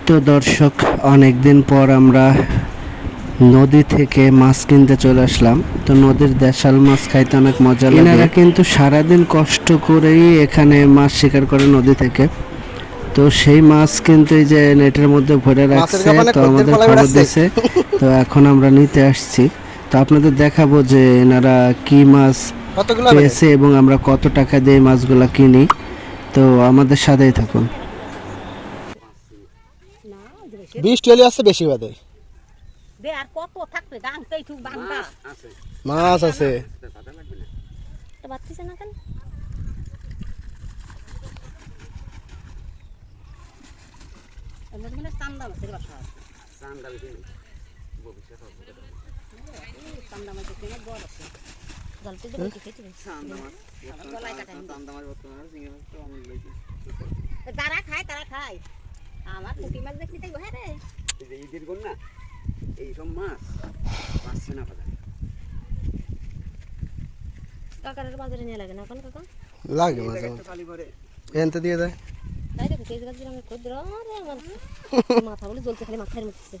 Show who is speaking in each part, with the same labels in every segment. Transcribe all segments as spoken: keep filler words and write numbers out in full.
Speaker 1: তো দর্শক, অনেকদিন পর আমরা নদী থেকে মাছ কিনতে চলে আসলাম। তো নদীর দেশাল মাছ খাইতে অনেক মজা লাগে। এনারা কিন্তু সারাদিন কষ্ট করেই এখানে মাছ শিকার করে নদী থেকে। তো সেই মাছ কিন্তু এই যে নেটের মধ্যে ভরে রাখছে, তো আমাদের খবর দিয়েছে। তো এখন আমরা নিতে আসছি। তো আপনাদের দেখাবো যে এনারা কি মাছ পেয়েছে এবং আমরা কত টাকা দিয়ে মাছগুলা কিনি। তো আমাদের সাথেই থাকুন।
Speaker 2: বিশ টুয়েলি আছে বেশি বাদে
Speaker 3: দে আর কত থাকবে ডাংতেই ঠিক বাংলা
Speaker 2: আছে মাছ আছে
Speaker 3: তো বাতিছে না কেন এমন মানে চান্দা মাছের বাসা আছে চান্দা বিক্রি ভবিষ্যৎ হবে চান্দা মাছ কিনে বড় আছে গলতে দেব কি খেতে চান্দা মাছ গলায় কাটা চান্দা মাছ বর্তমানে চিংড়ি মাছ তো আমি লইছি যারা খায় তারা খায় আমার পুঁটি মাছ দেখলি তাই ঘরে এই যে ঈদের কোন না এই সব মাছ পাচ্ছে না বাজারে কাকার বাজারে নিয়ে লাগে না কোন কাকা
Speaker 2: লাগে মাঝে খালি করে এনতে দিয়ে দেয়
Speaker 3: তাই দেখো তেজ গাছ আমি কই ধরে আরে আমার মাথা বলে জ্বলতে খালি মাথার মধ্যে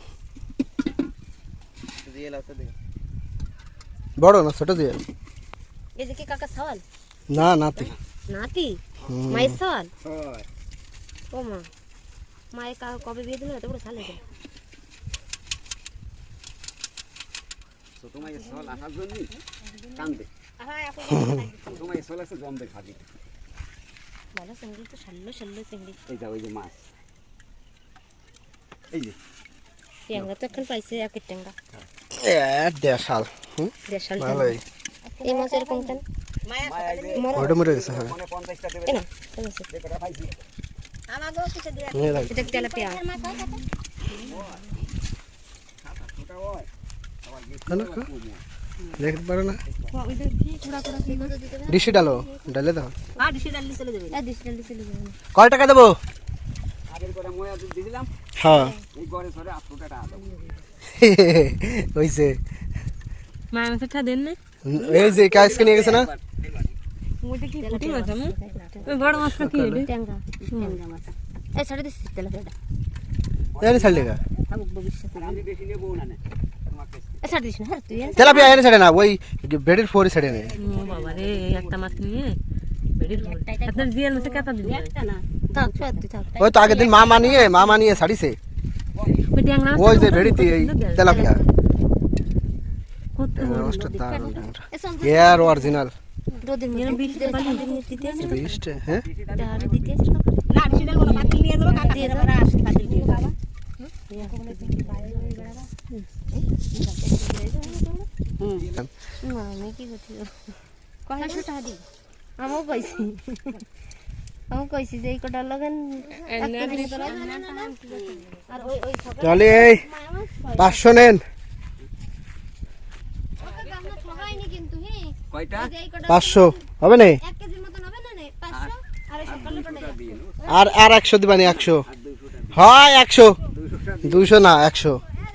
Speaker 3: দিয়ে লাতে দে
Speaker 2: বড় না ছোট দিয়ে
Speaker 3: এই যে কি কাকা সওয়াল
Speaker 2: না নাতি
Speaker 3: নাতি মাই সওয়াল হয় ও মা মায়ে কা কবে বিয়ে দিল এত বড় সালে গেল
Speaker 4: তো তোমার এই সওয়াল আসার জন্য কান্দে
Speaker 3: হ্যাঁ আপনি
Speaker 4: তোমার এই সওয়াল আছে জমবে খাবি
Speaker 3: ভালো চিংড়ি তো শাল্লো শাল্লো চিংড়ি
Speaker 4: এই যাও এই যে মাছ এই যে
Speaker 3: ট্যাংরা তো এখন পাইছে এক ট্যাংরা
Speaker 2: এ দেশাল হুম
Speaker 3: দেশাল
Speaker 2: ভালোই
Speaker 3: এই মাছ এরকম কেন মায়া
Speaker 2: ওটা মরে গেছে হ্যাঁ
Speaker 4: মানে পঞ্চাশ টা দেবে
Speaker 3: না
Speaker 4: যে কটা পাইছি
Speaker 3: আমাগো কিছু দিয়া
Speaker 2: নিয়ে রাখ
Speaker 3: এটা তেলাপিয়া
Speaker 4: ওটা হয়
Speaker 2: কেন দেখতে পারো না
Speaker 3: ওই যে কি কুড়া কুড়া কি করে দিতে হবে
Speaker 2: ডিশে ডালো ডালে দাও
Speaker 3: হ্যাঁ ডিশে ডালি চলে যাবে হ্যাঁ ডিশে ডালি চলে যাবে
Speaker 2: কয় টাকা দেবো
Speaker 4: আগের করে ময়া দুধ দিছিলাম
Speaker 2: হ্যাঁ
Speaker 4: এই ঘরে সরে আটশো টাকা দাও
Speaker 2: হইছে
Speaker 3: মায়া মাছটা দেন না
Speaker 2: এই যে কাজকে নিয়ে গেছে না
Speaker 3: ওটা কি পুঁটি মাছ আমি ওই বড় মাছটা কি এটা ট্যাংরা ট্যাংরা মাছ এই ছাড়ে দিছি তেলাপিয়াটা
Speaker 2: এনে ছাড়লে গা
Speaker 3: থাকুক ভবিষ্যতে
Speaker 4: আমি বেশি নেব না না তোমার কাছে
Speaker 3: এই ছাড় দিস না হ্যাঁ তুই
Speaker 2: তেলাপিয়া এনে ছাড়ে না ওই বেডের ফোরে ছাড়ে না
Speaker 3: ও বাবা রে একটা মাছ নিয়ে বেড়ির আপনার জিয়াল মাছে কত দিন একটা না থাক সত্যি থাক
Speaker 2: ওই তো আগের দিন মা মানিয়ে মা মানিয়ে ছাড়িছে
Speaker 3: ওই ট্যাংরা মাছ
Speaker 2: ওই যে বেড়িতে এই তেলাপিয়া
Speaker 3: কত
Speaker 2: রোস্ট তার এর অরিজিনাল
Speaker 3: রোদের মধ্যে বিশটা বালি দিতে আছে
Speaker 2: বিশটা হ্যাঁ
Speaker 3: ডাল দিতে আছে না বিশটা বড় পাতিল নিয়ে যাব কাকা দিয়ে আমরা আসি পাতিল দিয়ে বাবা হুম না আমি কি করছি কয়শো টাকা দি আমও পাইছি আমও কইছি যে এই কটা লাগান আর ওই ওই
Speaker 2: চলে এই পাঁচশো নেন
Speaker 4: কয়টা
Speaker 2: পাঁচশো হবে না
Speaker 3: এক কেজির মতন হবে না নে পাঁচশো আর এই সকালে কটা
Speaker 2: আর আর একশো দিবানি একশো হয় একশো দুইশো না একশো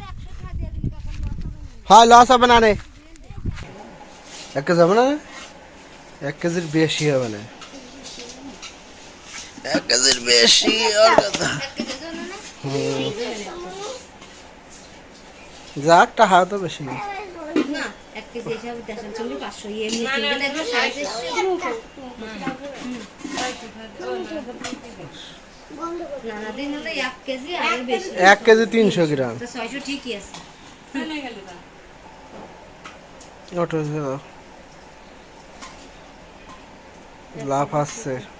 Speaker 2: হয় লস হবে না নে এক কেজি হবে না এক কেজির বেশি হবে না এক কেজির বেশি আর কথা যাক টাকা তো বেশি
Speaker 3: না এক কেজি হিসাব দেড়শো চল্লিশ পাঁচশো এমনি সিঙ্গেল একশো সাড়ে চারশো না না দিন হলে এক কেজি আর বেশি
Speaker 2: এক কেজি তিনশো গ্রাম
Speaker 3: তো ছয়শো ঠিকই আছে
Speaker 2: ওটা লাভ আসছে